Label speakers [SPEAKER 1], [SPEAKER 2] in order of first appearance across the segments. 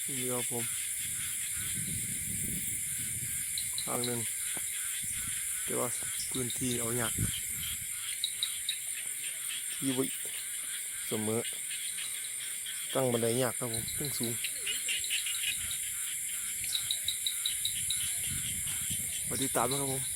[SPEAKER 1] นี่ครับผมทางหนึ่งแต่ว่าพื้นที่เอาหยักที่วิเสมอตั้งบันไดหยักครับผมตั้งสูงมาติดตามนะครับผม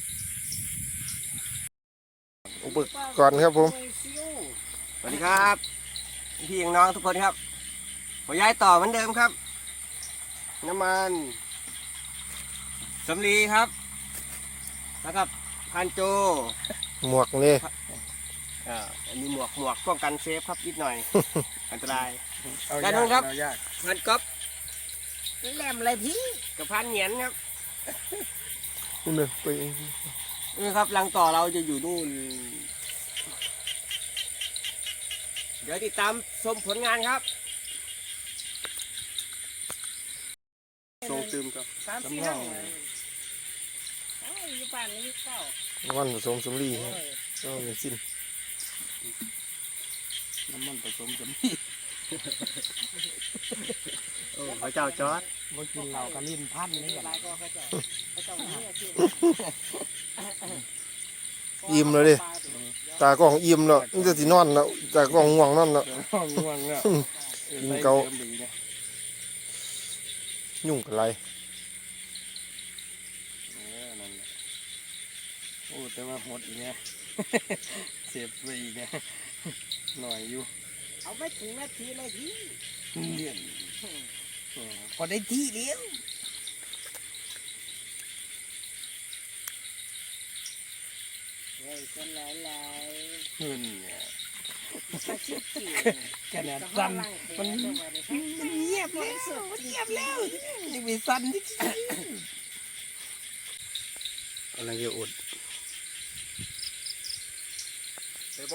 [SPEAKER 1] อุปกรณ์ครับผม
[SPEAKER 2] สวัสดีครับพี่น้องทุกคนครับผมย้ายต่อเหมือนเดิมครับน้ำมันสำลีครับแล้วก็พันโจ
[SPEAKER 1] หมวกนี่
[SPEAKER 2] อันนี้หมวกป้องกันเซฟครับนิดหน่อย อันตรายด้านนู้นครับพันก๊อฟแหลมอะไรพี่กับพันเหนียนครับ
[SPEAKER 1] นี่เลยไป
[SPEAKER 2] นี่ครับรังต่อเราจะอยู่นู่นเดี๋ยวติดตามชมผลงานครับส่งตืมครับสำรองอยู่บ้านนี้เก้า
[SPEAKER 1] วันผสมสำลีก็เป็นสิ้น
[SPEAKER 2] น้ำมันผสมสำลีพระเจ้าจอด
[SPEAKER 3] มากินเหล้ากับลิ้นพันนี่อะไรก็เขาเจ้า
[SPEAKER 1] อิ่มเลยดิตากล้องอิ่มแล้วนี่จะสินอนแล้วตากล้องง่วงนอนแล้ว
[SPEAKER 2] ง่วงแล้ว
[SPEAKER 1] กินเกายุ่งกับไร
[SPEAKER 2] โอ้แต่ว่าหดอีกไงเสียบไปอีกไงหน่อยอยู่
[SPEAKER 3] เอาไม่ถึงนาทีเลยพี่
[SPEAKER 2] เลี่ยนพอได้ที่เลี้ยว
[SPEAKER 3] เฮ้ยคนหลาย
[SPEAKER 2] เงินเนี่ย
[SPEAKER 3] ๆชักชิบจี
[SPEAKER 2] ขนาดสั้นมันเงียบแล้วยังไม่สั้นที่อะไรจะอดไปบ่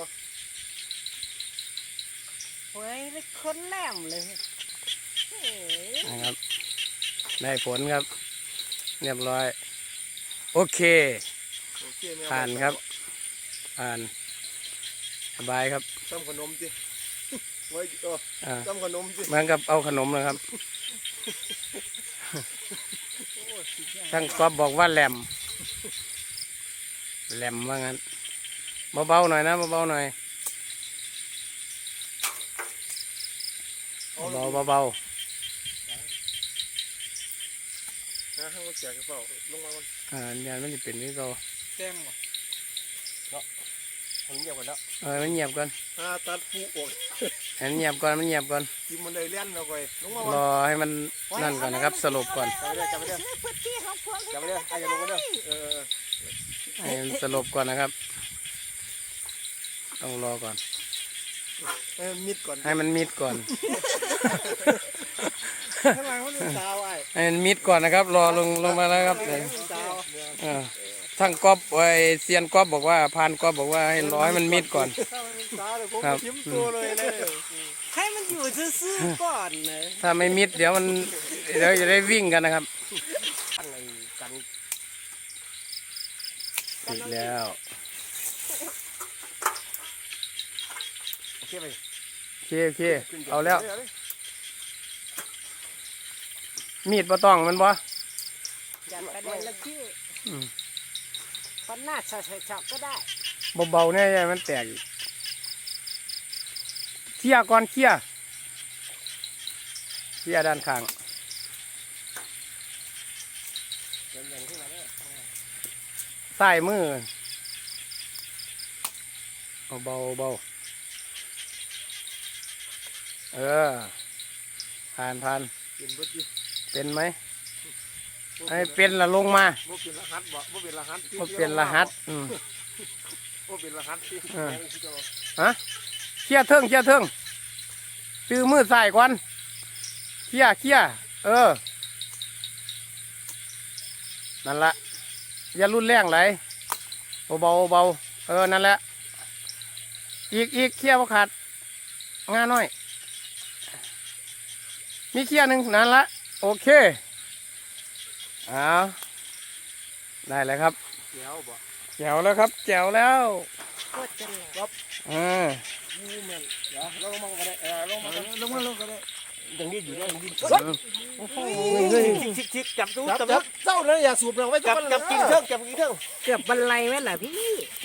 [SPEAKER 3] เฮ้ยคนแหลมเลยเฮ้ย
[SPEAKER 2] นะครับได้ผลครับเรียบร้อยโอเคผ่านครับผ่านสบายครับ
[SPEAKER 1] ทำขนมจิไว้ทำขนมจิ
[SPEAKER 2] เหมือนกับเอาขนมนะครับทั้งก๊อฟบอกว่าแหลมว่างั้นเบาๆหน่อยนะเบาๆหน่อยเบา
[SPEAKER 1] นะให้มาแจกกระเป๋าลงมาก่อน
[SPEAKER 2] เนี่ยมันจะเป็นนี่ก็
[SPEAKER 1] แจ้งมาผมเงียบก่อนแล้ว
[SPEAKER 2] มันเงียบก่อน
[SPEAKER 1] ตัดฟูออก
[SPEAKER 2] มันเงียบก่อน
[SPEAKER 1] กินมันเลยเลี้ยนเราไปลงมาร
[SPEAKER 2] อให้มันนั่นก่อนนะครับสรุปก่อน
[SPEAKER 1] จับไปเด้อ
[SPEAKER 3] พื้นที่ของพวก
[SPEAKER 1] จับไปเด้อไอ้จะลงมาเด้อ
[SPEAKER 2] ให้มันสรุปก่อนนะครับต้องรอก่อน
[SPEAKER 1] มิดก่อน
[SPEAKER 2] ให้มันมิดก่อน
[SPEAKER 1] ข้างหลังมันเป็นสาวไอ้
[SPEAKER 2] ให้มันมิดก่อนนะครับ รอลงมาแล้วครับ
[SPEAKER 1] สาว
[SPEAKER 2] ทั้งก๊อฟไอเซียนก๊อฟบอกว่าพานก๊อฟบอกว่าให้รอให้มันมิดก่อน
[SPEAKER 1] สาวเลยผมยิ้มตัวเลยเลย
[SPEAKER 3] ให้มันอยู่ซื่อๆก่อนเลย
[SPEAKER 2] ถ้าไม่มิดเดี๋ยวจะได้วิ่งกันนะครับติดแล้ว
[SPEAKER 1] โอเคไป
[SPEAKER 2] โอเคเอาแล้วมีดบ่ต้องมันบ่
[SPEAKER 3] อย่าไปเด็นละที่พันหน้าฉอกก็ได้
[SPEAKER 2] เบาๆเนี่ยมันแตกอีกเขี่ยก่อนเขี่ยด้านข้างใส่มือเบาผ่านเป็นไหมไอ้เป็นละลงมา
[SPEAKER 1] บ่เป็นรหัสบ่เป็นรหัส
[SPEAKER 2] เป็นรหัส
[SPEAKER 1] บ่เป็นรหัสที่
[SPEAKER 2] ฮะเขี่ยเทิงตื้อมือใส่ก่อนเขี่ยนั่นละอย่ารุนแรงไหลเบานั่นแหละอีกเขี่ยบ่ขาดงาน้อยมีเขี่ยหนึ่งนั่นละโอเคเอาได้เลยครับแจ๋วแล้วครับแจ๋วแล้ว
[SPEAKER 3] ก็จะแหลม
[SPEAKER 2] อ่า
[SPEAKER 1] เดี๋ยวเราลงมาก็ได้ลงมาก็ได้
[SPEAKER 2] ยังดิ้นอยู่เนี่ยยังดิ้น ชิกจับตู้
[SPEAKER 1] จับ
[SPEAKER 2] จับ
[SPEAKER 1] จับเจ้าเลยอย่าสูบเราไว้
[SPEAKER 2] จับกินเครื่องจับกินเครื่อง
[SPEAKER 3] เกือบบรรลัยไหมล่ะพี่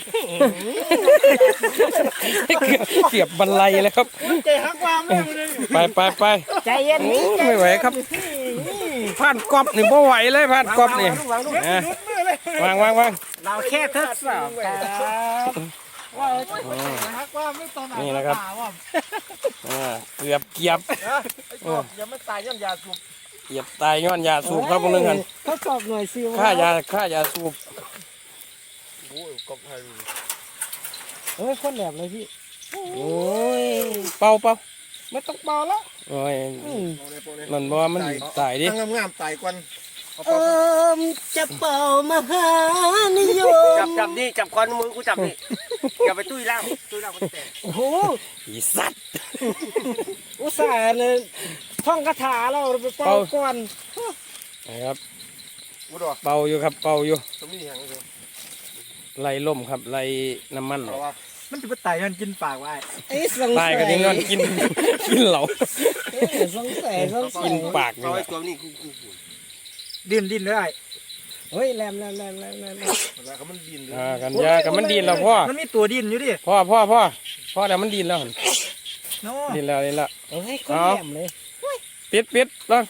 [SPEAKER 4] เก็บบรรลัยแล้วครับ
[SPEAKER 1] ใจหักความเลย
[SPEAKER 4] ไป
[SPEAKER 3] ใจเย็นนี้ใจ
[SPEAKER 4] ไม่ไหวครับผ่านกรอบนี่ไม่ไหวเลยผ่านกรอบนี่นะวาง
[SPEAKER 3] เราแค่ทดสอบครับ
[SPEAKER 1] หักความไม่ตอนไหน
[SPEAKER 4] นี่นะครับเกือบเกียบ
[SPEAKER 1] อย่าไม่ตายย้อนยาสูบ
[SPEAKER 4] เกียบตายย้อนยาสูบครับพวกนึงกัน
[SPEAKER 3] ทดสอบหน่วยซิล
[SPEAKER 4] ค่ายาสูบ
[SPEAKER 1] โอ้ยกบไทย
[SPEAKER 3] เฮ้ยคนแหลมเลยพี่
[SPEAKER 4] โอ้ยเป่า
[SPEAKER 3] ไม่ต้องเบาแล้ว
[SPEAKER 4] โอ้ยมันบอกว่ามันตายดิ
[SPEAKER 1] งามตายกวน
[SPEAKER 3] จะเป่ามหานิยม
[SPEAKER 2] จับนี่จับคอนมือกูจับนี่อย่าไปตุ้ยล่างมันแตก
[SPEAKER 3] โอ้โห
[SPEAKER 4] อีสัตว์
[SPEAKER 3] อุตส่าห์เลยท่องคาถาเราไปเป่าก่อน
[SPEAKER 4] นะครับ
[SPEAKER 1] กูดอก
[SPEAKER 4] เป่าอยู่ครับเป่าอยู่
[SPEAKER 1] ตรงนี้แห้งเลย
[SPEAKER 4] ไล่ล่มครับไล่น้ำมันออก
[SPEAKER 5] มันจะไปไต่มันกินปากไว้
[SPEAKER 3] ไอ้สง
[SPEAKER 4] ตา
[SPEAKER 3] สั
[SPEAKER 4] ย
[SPEAKER 3] ย
[SPEAKER 4] ก็ทิ้งกันกินเหลา
[SPEAKER 3] สงสัย
[SPEAKER 4] กินปากนี่
[SPEAKER 2] เอา
[SPEAKER 4] แห
[SPEAKER 2] ไอ้
[SPEAKER 4] ละ
[SPEAKER 2] ตัวนี้
[SPEAKER 5] ดิ้นได้
[SPEAKER 3] เฮ้ยแหลม
[SPEAKER 1] แล้วก็มันดินเลย
[SPEAKER 4] กันยากับมันดินแล้วพ่อ
[SPEAKER 5] มันมีตัวดิ้นอยู่ดิ
[SPEAKER 4] พ่อแต่มันดินแล้วหั่น
[SPEAKER 5] โน่
[SPEAKER 4] ดินแล้ว
[SPEAKER 3] เฮ้ยคนแหลมเลย
[SPEAKER 4] ปิดแล้ว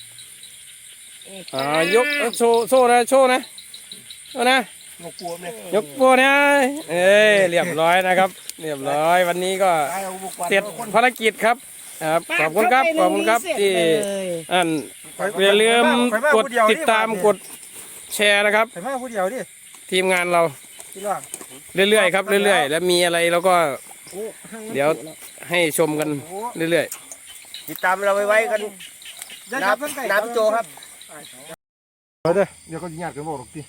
[SPEAKER 4] ยกโซ่นะเอานะ
[SPEAKER 1] งกลัวเนี่ย
[SPEAKER 4] ยกโซ่นะเรียบร้อยนะครับ เรียบร้อยวันนี้ก็เสร็จภารกิจครับขอบคุณครับที่อย่าลืมกดติดตามกดแชร์นะครับ
[SPEAKER 5] ใส่มาผู้เดียวดิ
[SPEAKER 4] ทีมงานเรา
[SPEAKER 5] พี่ร่าง
[SPEAKER 4] เรื่อยๆครับเรื่อยๆแล้วมีอะไรเราก็เดี๋ยวให้ชมกันเรื่อย
[SPEAKER 2] ติดตามเราไว้กัน
[SPEAKER 5] ยับเพิ่งไก่
[SPEAKER 2] น้ำโจครับ
[SPEAKER 1] เดี๋ยวก็ญาติกันบอกหรอกที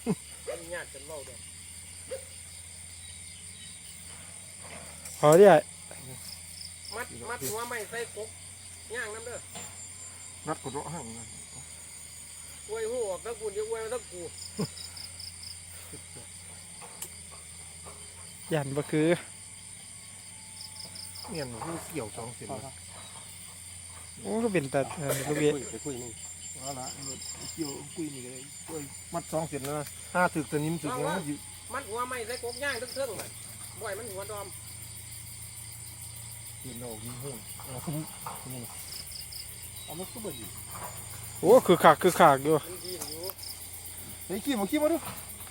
[SPEAKER 5] ขอดิ
[SPEAKER 2] มัดหัวไม่ใส่กบย่างน้ำเด้อ
[SPEAKER 1] นัดกดร้อหั่ง
[SPEAKER 2] อวยหูออกตะกูเดี๋ยวอวยมาตะกู
[SPEAKER 5] ยันบ่คือ
[SPEAKER 1] เนี่ยหนูเกี่ยวสองเส้น
[SPEAKER 5] โอ้ก็เป็นแต่ลูกเบี้ย
[SPEAKER 2] ไปคุยนี่
[SPEAKER 1] เอาละเกี่ยวกุยนี่เลยกุยมัดสองเส้นแล้วนะห้าถึกสนิมถึกเนี่ยอยู่
[SPEAKER 2] มัดหัวไม่ใส่กบย่างทั้งเทิงเลยบ่อยมันหัวดอม
[SPEAKER 1] เห็นดอกยิ้มหุ่นเอามันก็เบิดอยู่
[SPEAKER 5] โอ้คือขากอยู่
[SPEAKER 2] มันดีอยู่
[SPEAKER 1] เฮ้ยขี้มาดู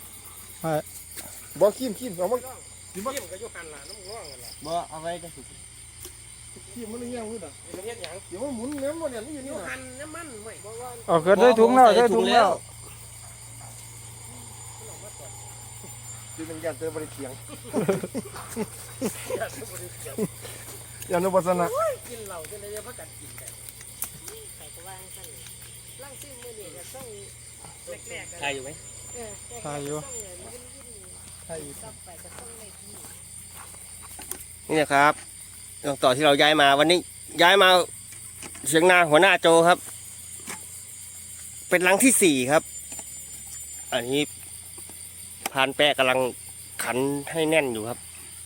[SPEAKER 1] บอกขี้เอามา
[SPEAKER 2] เยี่ยมก็อยู่หันล่ะน้ำง่วงกันล่ะ
[SPEAKER 1] บ่เอาไว้กันขี้มันเลยยังรู้ด่ะ
[SPEAKER 2] นี่มันเฮ็ดหยัง
[SPEAKER 1] เดี๋ยวมันหมุนเนี่ยมันเนี่ยนี่อยู่
[SPEAKER 2] อ
[SPEAKER 1] นี่
[SPEAKER 2] ยู่
[SPEAKER 1] นะ
[SPEAKER 2] หันน้ำมันไม่เพราะว่า
[SPEAKER 5] เอาเกิดได้ถุงแล้วได้ถุงแล้ว
[SPEAKER 1] ดูเป็นยันเตอร์บริเทียงยันนุปัสนะ
[SPEAKER 2] กินเหล้าจนได้พักกันกินแต่
[SPEAKER 3] ใส่กระวางสั่นร่างซิ่งมือเนี่ยจะต้องแรกๆ
[SPEAKER 2] ใครอยู่ไหม
[SPEAKER 5] ตายอยู่
[SPEAKER 2] นี่นะครับตรงต่อที่เราย้ายมาวันนี้ย้ายมาเสียงนาหัวหน้าโจครับ เป็นหลังที่ 4ครับ อันนี้พานแปะกำลังขันให้แน่นอยู่ครับ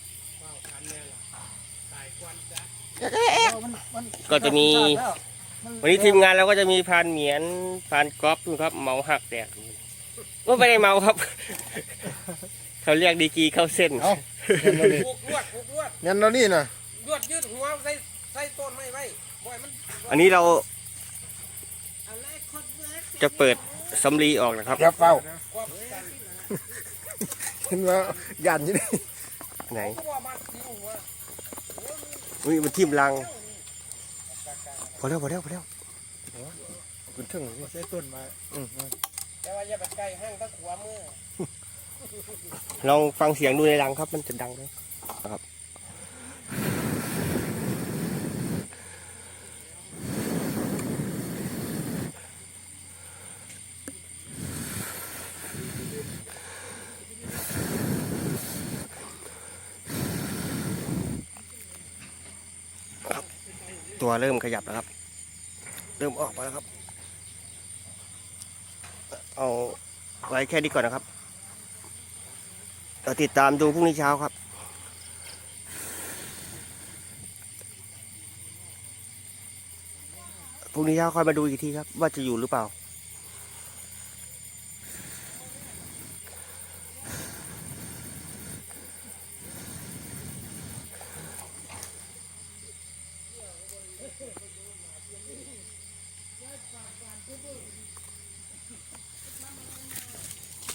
[SPEAKER 2] ก็จะมี วันนี้ทีมงานเราก็จะมีพานเหมียนพานก๊อฟนะครับเมาหักแตกก็ไม่ได้เมาครับ เขาเรียกดีกรีเข้าเส้น
[SPEAKER 1] เอา
[SPEAKER 2] ผูกลวด
[SPEAKER 1] ยันเรานี่นะ
[SPEAKER 2] ลวดยืดหัวใส่ต้นไม้ไว้บ่อยมันอันนี้เราจะเปิดสำลีออกนะครับ
[SPEAKER 1] อย่าเฝ้าเห็นว่ายันอยู่นี่
[SPEAKER 2] ไหนอุ้ยมันทิ่มรังพอแล้ว
[SPEAKER 1] คุณถึง
[SPEAKER 5] ใช้ต้นมา
[SPEAKER 3] แต่ว่าอย่าไปใกล้ห้างตะขวามือ
[SPEAKER 2] ลองฟังเสียงดูในรังครับมันจะดังไหมนะครับตัวเริ่มขยับแล้วครับ เริ่มออกมาแล้วครับ เอาไว้แค่นี้ก่อนนะครับเราติดตามดูพรุ่งนี้เช้าครับรุ่งนี้เช้าค่อยมาดูอีกทีครับ ว่าจะอยู่หรือเปล่า